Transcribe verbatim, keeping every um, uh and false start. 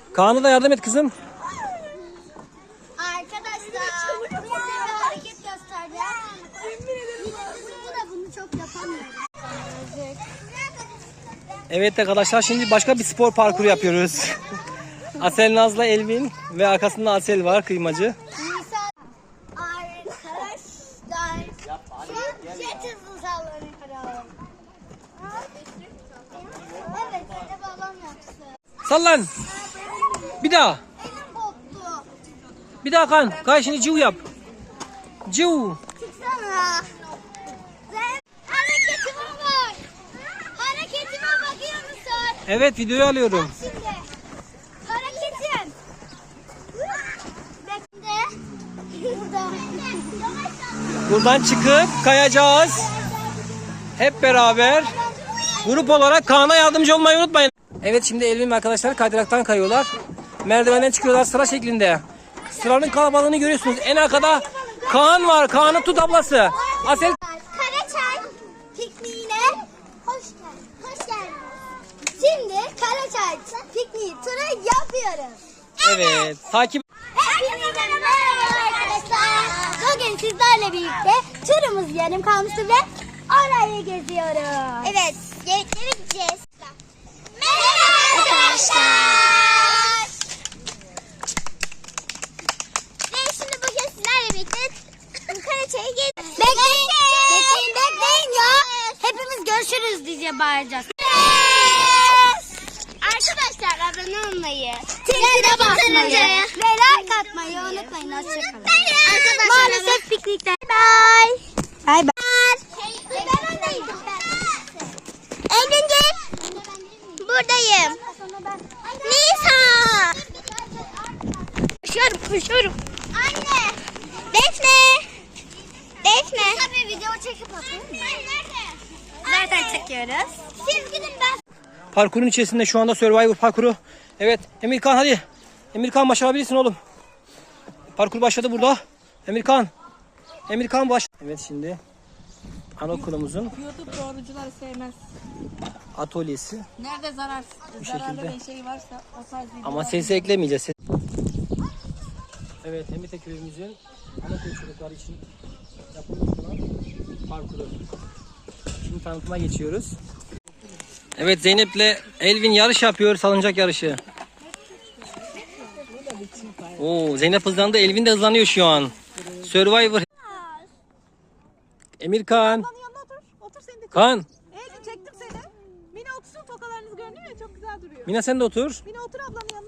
Kaan'a da yardım et kızım. Arkadaşlar size bir hareket göstereceğim. Burada da bunu çok yapamıyorum. Evet arkadaşlar, şimdi başka bir spor parkuru yapıyoruz. Asel Naz'la Elvin ve arkasında Asel var, kıymacı. Nisan arkadaşlar jet hızlı sallanıyor. Evet, bir de balon yapsın. Sallan. Bir daha. Elim koptu. Bir daha Kaan. Kaan şimdi ciu yap. Ciu. Çıksana. Sen hareketime bak. Hareketime bakıyor musun? Evet, videoyu alıyorum. Şimdi hareketim. Bekle. Burada. Buradan çıkıp kayacağız. Hep beraber. Grup olarak Kaan'a yardımcı olmayı unutmayın. Evet, şimdi Elvin ve arkadaşlar kaydıraktan kayıyorlar. Merdivenden çıkıyorlar sıra şeklinde. Sıranın kalabalığını görüyorsunuz. En arkada Kaan var. Kaan'ı tut ablası. Asel. Karaçay pikniğine hoş geldin. Hoş geldiniz. Şimdi Karaçay pikniği turu yapıyoruz. Evet. Takip. Hepinize merhaba arkadaşlar. Bugün sizlerle birlikte turumuz yarım kalmıştı ve orayı geziyoruz. Evet, yemeklere gideceğiz. Merhaba arkadaşlar. Ve şimdi bugün sizlerle birlikte Karaçay'a geziyoruz. Bekleyin, bekleyin, bekleyin ya. Hepimiz görüşürüz diye bağıracağız. Arkadaşlar abone olmayı, zile basmayı ve like atmayı unutmayın. Hoşçakalın. Maalesef piknikte. Bye. Bye bye. Ben öndeyim. Elin gel. Buradayım. Nisa. Koşuyorum, koşuyorum. Anne. Defne. Defne. Tabii video çekip atayım. Zaten çekiyoruz. Siz gidin ben. Parkurun içerisinde şu anda Survivor parkuru. Evet, Emirkan hadi. Emirkan başarabilirsin oğlum. Parkur başladı burada. Emirkan. Emirkan baş. Evet, şimdi anaokulumuzun YouTube doğrucuları sevmez. atölyesi. Nerede zarar, Bu zararlı şekilde. bir şey varsa o tarz videolar. Ama sesi eklemeyeceğiz. Evet, Emite köyümüzün anaokul çocukları için yapılmış olan parkuru. Şimdi tanıtıma geçiyoruz. Evet, Zeynep'le Elvin yarış yapıyor, salıncak yarışı. Oo, Zeynep hızlandı, Elvin de hızlanıyor şu an. Survivor. Emirkan. Yanına otur, otur seni de çek. Kaan. Eylül çektim seni. Mina otursun, tokalarınız görünüyor ya, çok güzel duruyor. Mina sen de otur. Mina otur ablanın yanına.